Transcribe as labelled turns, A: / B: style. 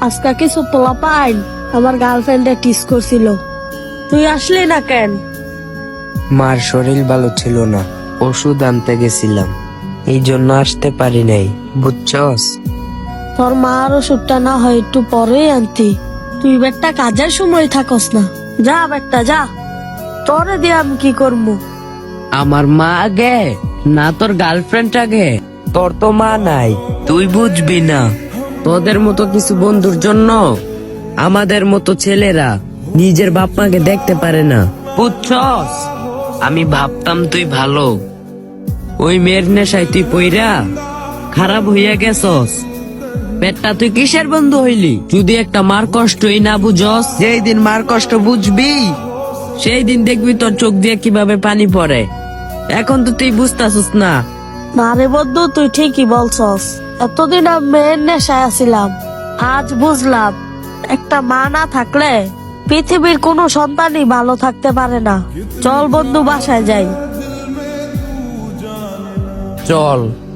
A: আজকে কিছু পোলা পাইন আমার গার্লফ্রেন্ডে টিস করছিল, তুই আসলি না কেন?
B: মার শরীর ভালো ছিল না, ওষুধ আনতে গেছিলাম, এই জন্য আসতে পারি নাই, বুঝছস?
A: তোর মার ওষুধটা না হয় একটু পরেই আনতি, তুই বেটা কাজের সময় থাকস না। যা বেটা যা, তোরে দিয়ে আমি কি করবো?
C: আমার মা আগে না তোর গার্লফ্রেন্ড আগে?
B: তোর তো মা নাই, তুই বুঝবি না।
C: তোদের মতো কিছু বন্ধুর জন্য আমাদের মতো ছেলেরা নিজের বাপ মাকে দেখতে পারে না, বুঝছস? আমি ভাবতাম তুই ভালো, ওই মেয়ের নেশায় তুই পইরা খারাপ হইয়া গেছস। পেটটা তুই কিসের বন্ধু হইলি? যদি একটা মার কষ্টই না বুঝস, যেই দিন মার কষ্ট বুঝবি সেই দিন দেখবি তোর চোখ দিয়ে কিভাবে পানি পড়ে। এখন তো তুই বুঝতাছস না।
A: না রে বন্ধু, তুই ঠিকই বলছস। এতদিন আমি মেয়ের নেশায় আছিলাম, আজ বুঝলাম একটা মা না থাকলে পৃথিবীর কোনো সন্তানই ভালো থাকতে পারে না। চল বন্ধু, বাসায় যাই।
C: চল।